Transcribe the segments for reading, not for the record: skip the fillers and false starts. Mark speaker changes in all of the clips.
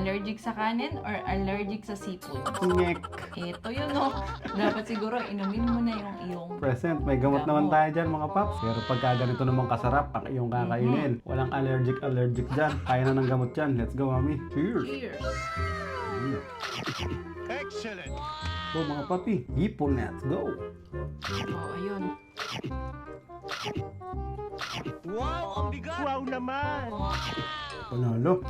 Speaker 1: allergic sa kanin or allergic sa seafood?
Speaker 2: Ngek.
Speaker 1: Ito yun, no? Dapat siguro inumin mo na yung iyong...
Speaker 2: Present, may gamot
Speaker 1: Gamot.
Speaker 2: naman tayo dyan mga paps. Pero pagka ganito naman kasarap ang iyong kakainin, walang allergic dyan. Kaya na ng gamot yan. Let's go, mami. Cheers!
Speaker 1: Cheers!
Speaker 3: Excellent.
Speaker 2: So mga papi, hipon, let's go!
Speaker 1: Oh, ayun.
Speaker 3: Wow, ang bigat. Wow naman.
Speaker 2: Panalo!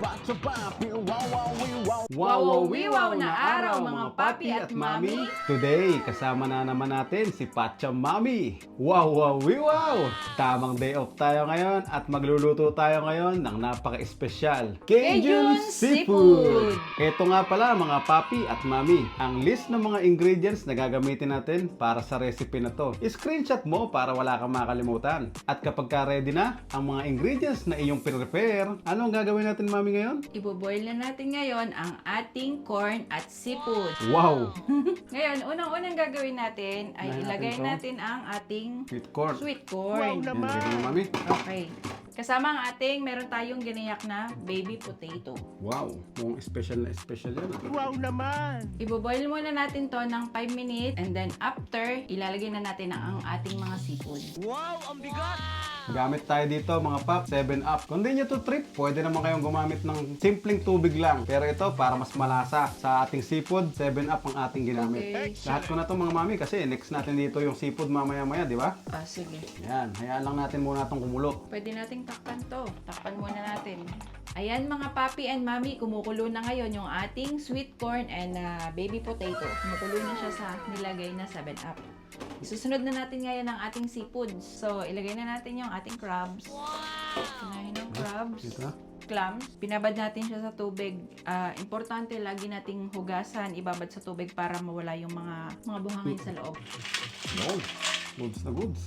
Speaker 1: Wow, na araw mga papi at mami.
Speaker 2: Today, kasama na naman natin si Pacha Mami. Wow! Tamang day off tayo ngayon at magluluto tayo ngayon ng napaka-espesyal
Speaker 1: Cajun Seafood.
Speaker 2: Ito nga pala mga papi at mami, ang list ng mga ingredients na gagamitin natin para sa recipe na to. Screenshot mo para wala kang makalimutan. At kapag ka-ready na ang mga ingredients na iyong prepare, ano ang gagawin natin mami ngayon?
Speaker 1: Iboboil na natin ngayon ang ating corn at seafood.
Speaker 2: Wow!
Speaker 1: Ngayon, unang-unang gagawin natin ay
Speaker 2: Unahin
Speaker 1: ilagay
Speaker 2: natin to.
Speaker 1: natin ang ating
Speaker 2: Sweet corn.
Speaker 1: sweet
Speaker 3: Wow
Speaker 1: corn.
Speaker 2: Yan,
Speaker 3: naman.
Speaker 2: sige mo mami.
Speaker 1: Okay. Kasama ang ating, meron tayong ginayak na baby potato.
Speaker 2: Wow! Mukhang special na special yan.
Speaker 3: Wow naman.
Speaker 1: Iboboil muna natin to ng 5 minutes and then after, ilalagay na natin ang ating mga seafood.
Speaker 3: Wow, ang bigat.
Speaker 2: Gamit tayo dito mga pap, 7-Up. Kung di nyo to trip, pwede naman kayong gumamit ng simpleng tubig lang. Pero ito, para mas malasa sa ating seafood, 7-Up ang ating ginamit.
Speaker 1: Okay.
Speaker 2: Lahat ko na to mga mami kasi next natin dito yung seafood mamaya-maya, di ba?
Speaker 1: Sige.
Speaker 2: Yan, hayaan lang natin muna itong kumulo.
Speaker 1: Pwede nating takpan to. Takpan muna natin. Ayan mga papi and mami, kumukulo na ngayon yung ating sweet corn and baby potato. Kumukulo na siya sa nilagay na 7-Up. Isusunod na natin ngayon ang ating seafood. So, ilagay na natin yung ating crabs. Kunahin ng crabs.
Speaker 2: Dito.
Speaker 1: Clams. Binabad natin siya sa tubig. Importante, lagi nating hugasan, ibabad sa tubig para mawala yung mga buhangin sa loob.
Speaker 2: Wow, goods na goods.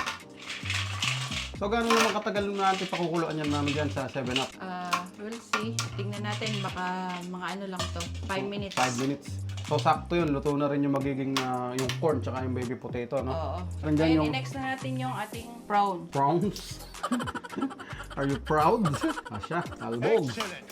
Speaker 2: So, gano'n naman katagal natin pakukuluan yan namin dyan sa 7-Up?
Speaker 1: We'll see. Tingnan natin, baka mga ano lang to. 5 minutes.
Speaker 2: 5 minutes. So, sakto yun. Luto na rin yung magiging yung corn tsaka yung baby potato, no?
Speaker 1: Oo.
Speaker 2: Nandyan
Speaker 1: Ngayon,
Speaker 2: yung-
Speaker 1: i-next na natin yung ating prawn.
Speaker 2: Prawns? Are you proud? Asya, albog.
Speaker 3: Excellent.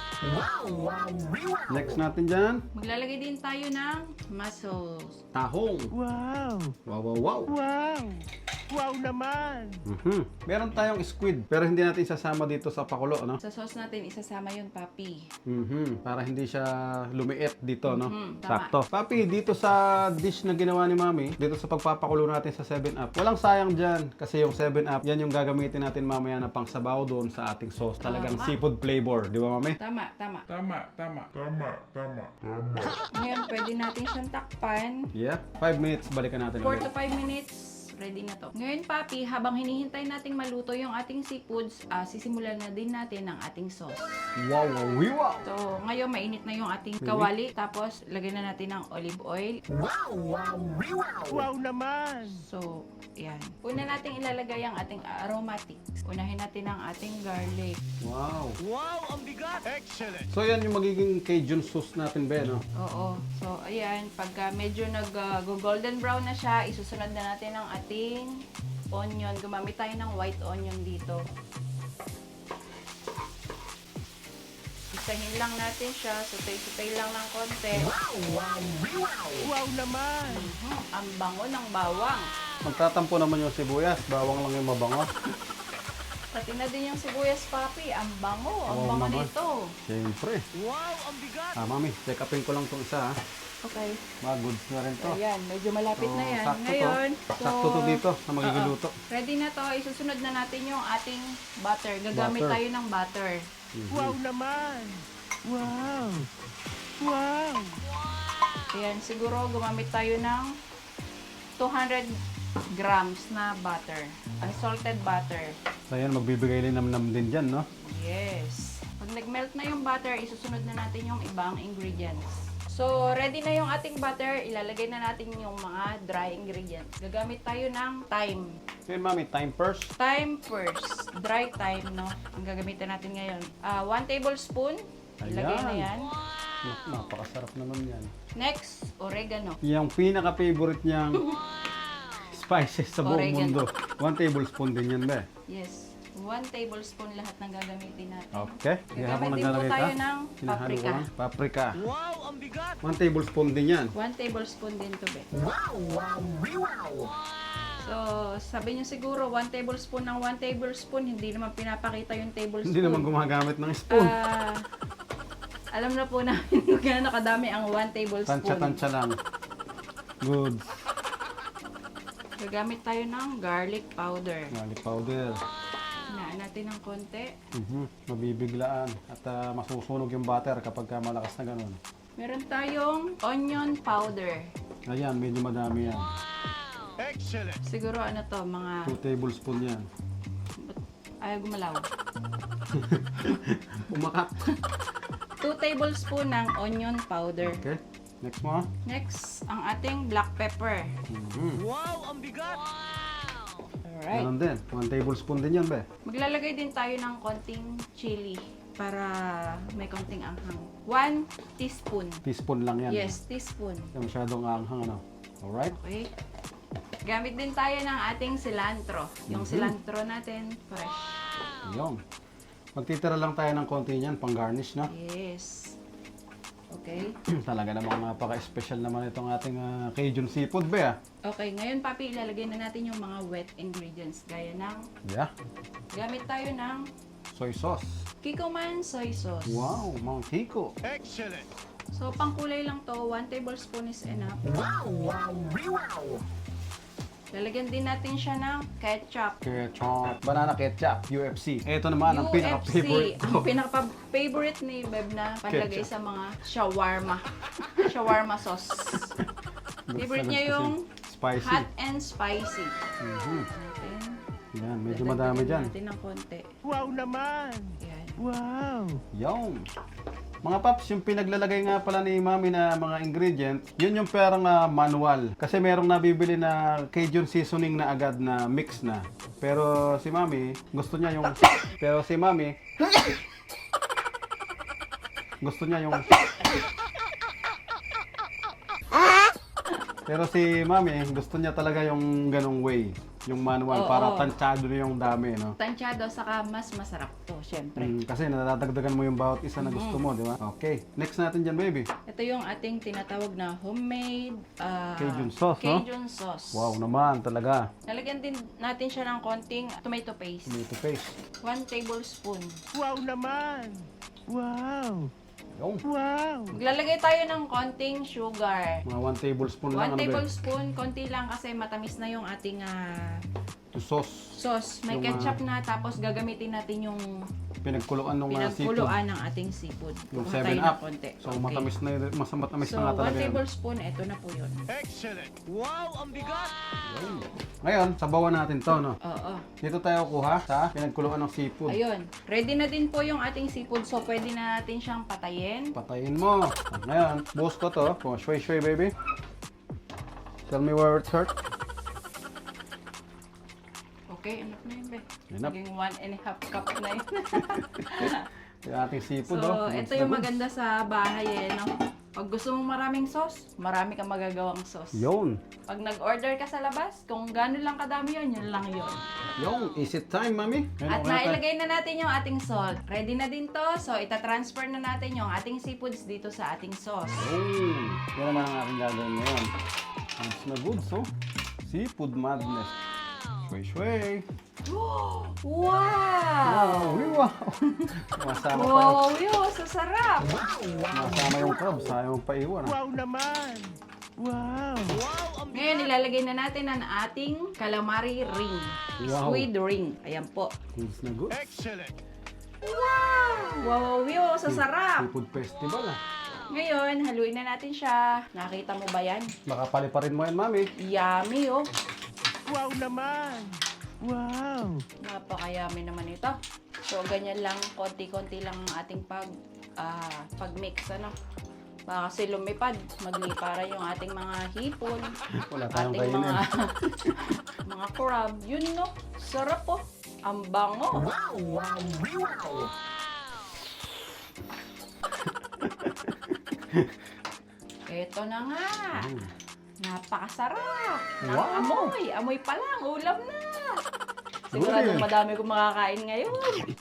Speaker 2: Next natin dyan,
Speaker 1: Maglalagay din tayo ng mussels.
Speaker 2: tahong.
Speaker 3: Wow.
Speaker 2: Wow.
Speaker 3: Wow. Wow naman.
Speaker 2: Meron tayong squid, pero hindi natin sasama dito sa pakulo, no?
Speaker 1: Sa sauce natin, isasama yun, papi.
Speaker 2: Para hindi siya lumiit dito, no?
Speaker 1: Tama.
Speaker 2: Sakto. Papi, dito sa dish na ginawa ni Mami, dito sa pagpapakulo natin sa 7-Up, walang sayang dyan. Kasi yung 7-Up, yan yung gagamitin natin mamaya na pangsabaw doon sa ating sauce. Talagang
Speaker 1: Tama.
Speaker 2: seafood flavor, di ba, Mami?
Speaker 1: Tama.
Speaker 4: Tama.
Speaker 1: Ngayon, pwede natin siyang takpan.
Speaker 2: Yeah. 5 minutes, balikan natin
Speaker 1: 4
Speaker 2: ulit.
Speaker 1: to 5 minutes, ready na to. Ngayon, papi, habang hinihintay nating maluto yung ating seafoods, sisimulan na din natin ang ating sauce.
Speaker 2: Wow.
Speaker 1: So, ngayon, mainit na yung ating kawali. Tapos, lagay na natin ng olive oil.
Speaker 3: Wow naman.
Speaker 1: So, yan. Una nating ilalagay ang ating aromatics. Unahin natin ang ating garlic.
Speaker 2: Wow.
Speaker 3: Wow, ang bigat. Excellent.
Speaker 2: So yan yung magiging Cajun sauce natin, Ben, no?
Speaker 1: Oo. So, ayan. Pagka medyo nag-golden brown na siya, isusunod na natin ang ating onion. Gumamit tayo ng white onion dito. Isahin lang natin siya. Sutay-sutay lang ng konti.
Speaker 3: Wow naman.
Speaker 1: Ang bango ng bawang.
Speaker 2: Magtatampo naman yung sibuyas, bawang lang yung mabango.
Speaker 1: Pati na din yung sibuyas, papi. Ang bango. Ang
Speaker 2: Oo
Speaker 1: bango
Speaker 2: naman.
Speaker 1: nito.
Speaker 2: Siyempre.
Speaker 3: Wow, ang bigat.
Speaker 2: Mami, check upin ko lang itong isa, ha?
Speaker 1: Okay.
Speaker 2: Goods na rin to.
Speaker 1: Ayan, medyo malapit
Speaker 2: So,
Speaker 1: na yan.
Speaker 2: sakto to.
Speaker 1: Ngayon,
Speaker 2: Sakto to dito na magiging
Speaker 1: Oo.
Speaker 2: luto.
Speaker 1: Ready na to. Isusunod na natin yung ating butter. Gagamit
Speaker 2: Butter.
Speaker 1: tayo ng butter.
Speaker 3: Wow naman. Wow. Wow.
Speaker 1: Ayan, siguro gumamit tayo ng 200 grams na butter. Unsalted butter.
Speaker 2: So yan, magbibigay linamnam din dyan, no?
Speaker 1: Yes. Pag nag-melt na yung butter, isusunod na natin yung ibang ingredients. So, ready na yung ating butter. Ilalagay na natin yung mga dry ingredients. Gagamit tayo ng thyme.
Speaker 2: So yun, Mami, time first.
Speaker 1: Thyme first. Dry thyme, no? Ang gagamitin natin ngayon. 1 tablespoon. Ilagay na yan.
Speaker 2: Napakasarap naman yan.
Speaker 1: Next, oregano.
Speaker 2: Yung pinaka-favorite niyang spices sa buong
Speaker 1: Oregano.
Speaker 2: mundo. 1 tablespoon din yan, be.
Speaker 1: Yes. 1 tablespoon lahat ng gagamitin natin.
Speaker 2: Okay. Kaya habang
Speaker 1: Gagamitin po
Speaker 2: naglalagay
Speaker 1: tayo
Speaker 2: ka,
Speaker 1: ng
Speaker 2: hinahalo ko
Speaker 1: paprika.
Speaker 2: lang. Paprika.
Speaker 3: Wow, ang bigat!
Speaker 2: 1 tablespoon din yan.
Speaker 1: 1 tablespoon din to, be. So, sabi niyo siguro, 1 tablespoon ng 1 tablespoon, hindi naman pinapakita yung tablespoon.
Speaker 2: Hindi naman gumagamit ng spoon.
Speaker 1: Alam na po namin kung gaano kadami ang 1 tablespoon.
Speaker 2: Tansya-tansya lang. Good.
Speaker 1: Gagamit tayo ng garlic powder.
Speaker 2: Garlic powder.
Speaker 1: Hinaan natin ng konti.
Speaker 2: Mabibiglaan at masusunog yung butter kapag malakas na ganun.
Speaker 1: Meron tayong onion powder.
Speaker 2: Ayan, medyo madami yan.
Speaker 3: Excellent!
Speaker 1: Siguro ano to, mga
Speaker 2: 2 tablespoon yan.
Speaker 1: ayaw gumalaw.
Speaker 2: Umakat.
Speaker 1: 2 tablespoon ng onion powder.
Speaker 2: Okay. Next mo.
Speaker 1: Next, ang ating black pepper.
Speaker 3: Wow, ang bigat!
Speaker 1: Alright.
Speaker 2: Ganun din. 1 tablespoon din yan, be.
Speaker 1: Maglalagay din tayo ng konting chili para may konting anghang. 1 teaspoon.
Speaker 2: Teaspoon lang yan.
Speaker 1: Yes, teaspoon.
Speaker 2: Hindi masyadong anghang, ano. Alright.
Speaker 1: Okay. Gamit din tayo ng ating cilantro. Yung cilantro natin, fresh.
Speaker 2: Yung. Magtitira lang tayo ng konti niyan, pang garnish, no?
Speaker 1: Yes. Okay.
Speaker 2: Talaga namang napaka-special naman itong ating Cajun seafood, be, ah.
Speaker 1: Okay, ngayon papi, ilalagay na natin yung mga wet ingredients. Gaya ng,
Speaker 2: Yeah.
Speaker 1: gamit tayo ng
Speaker 2: Soy sauce.
Speaker 1: Kikkoman soy sauce.
Speaker 2: Wow, Mang Kiko.
Speaker 3: Excellent!
Speaker 1: So, pangkulay lang to, 1 tablespoon is enough. Lalagyan din natin siya ng ketchup.
Speaker 2: Ketchup. Banana ketchup. UFC. Ito naman ang
Speaker 1: UFC,
Speaker 2: pinaka-favorite
Speaker 1: ang
Speaker 2: ko.
Speaker 1: pinaka-favorite ni Beb na panlagay
Speaker 2: Ketchup.
Speaker 1: sa mga shawarma. Shawarma sauce. Favorite niya yung
Speaker 2: spicy.
Speaker 1: hot and spicy.
Speaker 2: Mhm.
Speaker 1: Natin.
Speaker 2: Yan, medyo
Speaker 1: Dadagdagan
Speaker 2: madami dyan.
Speaker 1: natin ng konti.
Speaker 3: Wow naman!
Speaker 1: Yan.
Speaker 3: Wow!
Speaker 2: Yung. Mga paps, yung pinaglalagay nga pala ni Mami na mga ingredients, yun yung parang manual. Kasi merong nabibili na Cajun seasoning na agad na mix na. Pero si Mami, gusto niya yung... Pero si Mami... gusto niya yung... Pero si Mami, gusto niya talaga yung ganong way. Yung manual,
Speaker 1: Oo.
Speaker 2: para tansyado na yung dami, no?
Speaker 1: Tansyado, saka mas masarap to, syempre.
Speaker 2: Kasi nadadagdagan mo yung bawat isa na gusto mo, di ba? Okay. Next natin dyan, baby.
Speaker 1: Ito yung ating tinatawag na homemade
Speaker 2: Cajun sauce, no?
Speaker 1: Cajun sauce.
Speaker 2: Wow naman, talaga.
Speaker 1: Lalagyan din natin siya ng konting tomato paste.
Speaker 2: Tomato paste.
Speaker 1: 1 tablespoon.
Speaker 3: Wow naman! Wow!
Speaker 2: Yung.
Speaker 3: Wow!
Speaker 1: Maglalagay tayo ng konting sugar.
Speaker 2: Mga 1 tablespoon
Speaker 1: 1
Speaker 2: lang.
Speaker 1: tablespoon, konti lang kasi matamis na yung ating
Speaker 2: Yung sauce.
Speaker 1: sauce. May
Speaker 2: Yung,
Speaker 1: ketchup na, tapos gagamitin natin yung
Speaker 2: Pinagkuluan ng seafood.
Speaker 1: pinagkuluan ng ating seafood.
Speaker 2: Yung
Speaker 1: Kuha
Speaker 2: 7
Speaker 1: tayo ng
Speaker 2: up.
Speaker 1: konti.
Speaker 2: So,
Speaker 1: Okay.
Speaker 2: matamis na yun. Matamis
Speaker 1: So,
Speaker 2: na nga
Speaker 1: 1
Speaker 2: talaga yan.
Speaker 1: tablespoon, ito na po yun.
Speaker 3: Excellent! Wow, ang bigat!
Speaker 2: Ngayon, sabawan natin to, no?
Speaker 1: Oo.
Speaker 2: Dito tayo kuha sa pinagkuluan ng seafood.
Speaker 1: Ayun. Ready na din po yung ating seafood. So, pwede na natin siyang patayin.
Speaker 2: Patayin mo. At ngayon, buhos ko to. Oh, shway-shway, baby. Tell me where it's hurt.
Speaker 1: Okay, enough na yun, be.
Speaker 2: Enough.
Speaker 1: Naging 1.5 cup na yun.
Speaker 2: Yung ating seafood,
Speaker 1: So,
Speaker 2: oh.
Speaker 1: ito yung maganda sa bahay, no? Pag gusto mong maraming sauce, marami kang magagawang sauce.
Speaker 2: Yun.
Speaker 1: Pag nag-order ka sa labas, kung gano'n lang kadami yun lang yun.
Speaker 2: Yung, is it time, mami? Ngayon,
Speaker 1: At
Speaker 2: okay na tayo.
Speaker 1: nailagay na natin yung ating salt. Ready na din to. So, itatransfer na natin yung ating seafoods dito sa ating sauce.
Speaker 2: Oh, yan naman ang aking gagawin ngayon. Ang na goods, oh. Seafood madness. Shway-shway.
Speaker 1: Wow!
Speaker 2: Wow! Masama pa yung,
Speaker 1: Wow, yun! Sa sarap!
Speaker 2: masama yung crabs. Ayaw paiwan, ah.
Speaker 3: Wow naman! Wow! Wow, ang
Speaker 1: Ngayon, ilalagay na natin ang ating calamari ring.
Speaker 2: Wow.
Speaker 1: Squid ring. Ayan po.
Speaker 2: Goods na goods.
Speaker 3: Excellent!
Speaker 1: Wow, yun! Sa sarap!
Speaker 2: Seafood festival, ah.
Speaker 1: Ngayon, haluin na natin siya. Nakita mo ba yan?
Speaker 2: Baka paliparin mo yan, mami.
Speaker 1: Yummy, oh!
Speaker 3: Wow naman! Wow!
Speaker 1: Napakayami naman ito. So, ganyan lang, konti-konti lang ang ating pag-mix, ano. Baka kasi lumipad, magliparan yung ating mga hipon,
Speaker 2: Wala tayong
Speaker 1: ating
Speaker 2: kainin.
Speaker 1: mga crab. Yun, no? Sarap, oh. Ang bango. Ito na nga. Napakasarap.
Speaker 2: Wow.
Speaker 1: Amoy pa lang. Ulam na. Siguradong
Speaker 2: Good.
Speaker 1: madami kong makakain ngayon.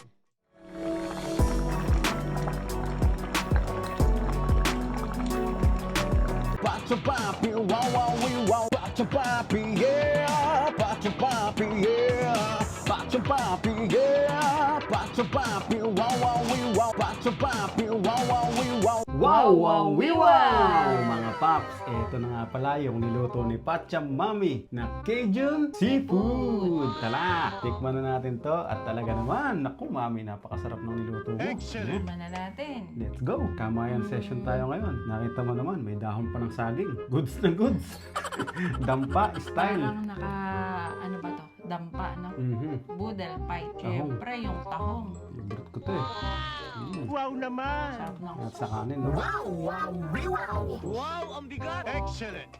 Speaker 2: Pacho papi, wow wow we wow. Pacho papi, yeah. Pacho papi, yeah. Pacho papi, yeah. Pacho papi, wow wow we wow. Pacho papi, wow wow we wow. Wow wow we wow! Mga paps, eto na nga pala yung niluto ni Pacham Mami na Cajun Seafood. Tala, tikman na natin to at talaga naman, naku Mami, napakasarap ng niluto mo.
Speaker 3: Excellent.
Speaker 1: Tikman na natin.
Speaker 2: Let's go! Kamayan session tayo ngayon. Nakita mo naman, may dahon pa ng saging. Goods na goods. Dampa style.
Speaker 1: Parang ano ba to? Dampa, no? Boodle pie. Siyempre, yung tahong.
Speaker 2: Favorite ko to eh.
Speaker 3: Wow naman.
Speaker 1: Sarap ng
Speaker 2: At sa kanin, no?
Speaker 3: Wow, ang bigat. Excellent.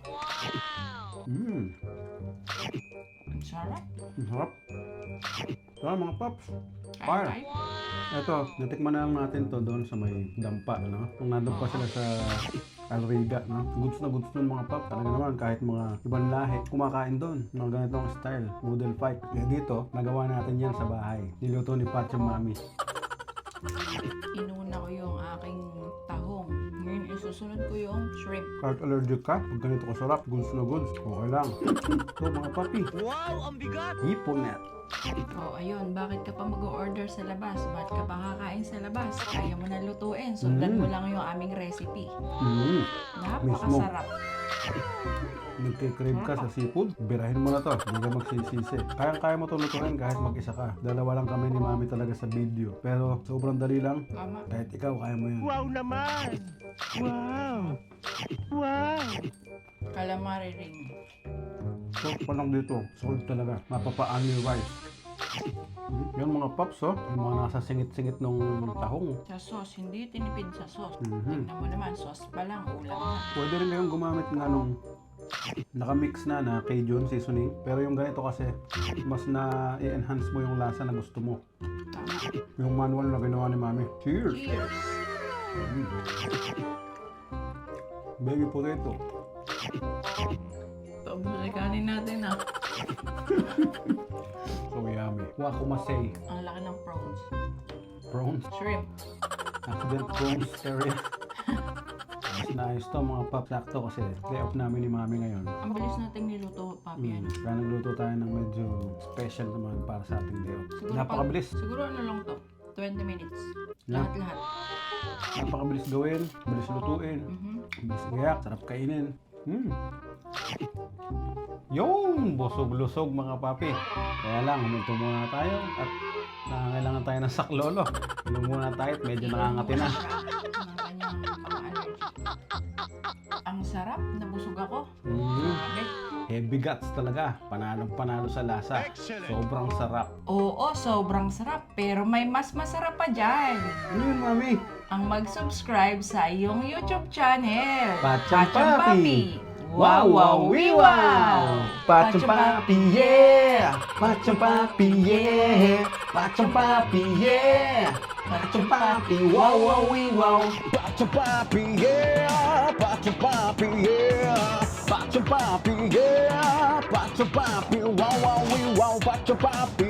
Speaker 1: Ang sarap.
Speaker 2: Ang harap. Tara mga paps.
Speaker 1: Kain
Speaker 2: Fire.
Speaker 1: tayo.
Speaker 2: Ito, natikman na lang natin to doon sa may dampa, no? Kung nandun pa sila sa Alriga, no? Goods na goods doon mga pap. Talaga naman, kahit mga ibang lahi, kumakain doon. Mga ganitong style, noodle fight. Kaya dito, nagawa natin yan sa bahay. Niluto ni Pacham Mami.
Speaker 1: Inuna ko yung aking tahong. Ngayon, isusunod ko yung shrimp.
Speaker 2: Kahit allergic ka, pag ganito kasarap, goods na goods, okay lang. So mga papi,
Speaker 3: Wow, ang bigat.
Speaker 2: hiponet.
Speaker 1: Oh, ayun. Bakit ka pa mag-order sa labas? Bakit ka pa kakain sa labas? Kaya mo na lutuin. Sundan mo lang yung aming recipe. Napakasarap.
Speaker 2: Nagkikrave ka sa seafood, birahin mo na to. Hindi ka magsisisi. Kaya mo to lutuin kahit mag-isa ka. Dalawa lang kami ni Mami talaga sa video. Pero sobrang dali lang.
Speaker 1: Tama.
Speaker 2: Kahit ikaw, kaya mo yan.
Speaker 3: Wow naman. Wow. Wow.
Speaker 1: Calamari ring.
Speaker 2: Salt pa lang dito. Salt talaga. Mapapaan yung rice. Yan mga paps, oh. Yung mga nasa singit-singit nung tahong.
Speaker 1: Sa sauce, hindi tinipid sa sauce.
Speaker 2: Mhm.
Speaker 1: Tignan mo naman, sauce pa lang, ulam na.
Speaker 2: Pwede rin kayong gumamit nga nung nakamix na Cajun seasoning. Pero yung ganito kasi, mas na i-enhance mo yung lasa na gusto mo.
Speaker 1: Tama.
Speaker 2: Yung manual na ginawa ni Mami. Cheers!
Speaker 1: Cheers!
Speaker 2: Baby potato.
Speaker 1: Tapos kanin natin ah.
Speaker 2: So yummy. Wakumasei.
Speaker 1: Ang laki ng prawns.
Speaker 2: Prawns.
Speaker 1: Shrimp.
Speaker 2: Accident prawns area. Mas naayos to mga pap. Sakto kasi day off namin ni Mami ngayon.
Speaker 1: Ang bilis nating niluto, papi. Ano?
Speaker 2: Kaya nagluto tayo ng medyo special naman para sa ating day off.
Speaker 1: Siguro
Speaker 2: Napakabilis.
Speaker 1: Siguro ano lang to? 20 minutes.
Speaker 2: Lang.
Speaker 1: Lahat-lahat.
Speaker 2: Napakabilis gawin. Bilis lutuin. Bilis gayak. Sarap kainin. Yung busog-lusog mga papi. Kaya lang, huminto muna tayo at nangangailangan tayo ng saklolo. Inom muna tayo at medyo nakangati na.
Speaker 1: Ang kanyang pang-allergy. Ang sarap, nabusog ako. Grabe.
Speaker 2: Heavy guts talaga. Panalong-panalo sa lasa.
Speaker 3: Excellent.
Speaker 2: Sobrang sarap.
Speaker 1: Oo, sobrang sarap. Pero may mas masarap pa dyan.
Speaker 2: Ano yun, Mami?
Speaker 1: Ang mag-subscribe sa iyong YouTube channel.
Speaker 2: Pacham Papi.
Speaker 1: Wow, wow, wee, wow!
Speaker 2: Pacham Papi, yeah! Pacham Papi, yeah! Pacham Papi, yeah! Pacham Papi, wow, wow, wee, wow! Pacham Papi, yeah! Pacham Papi, yeah! Pacham Papi, yeah! Pacham Papi, wow, wow, wee, wow! Pacham Papi,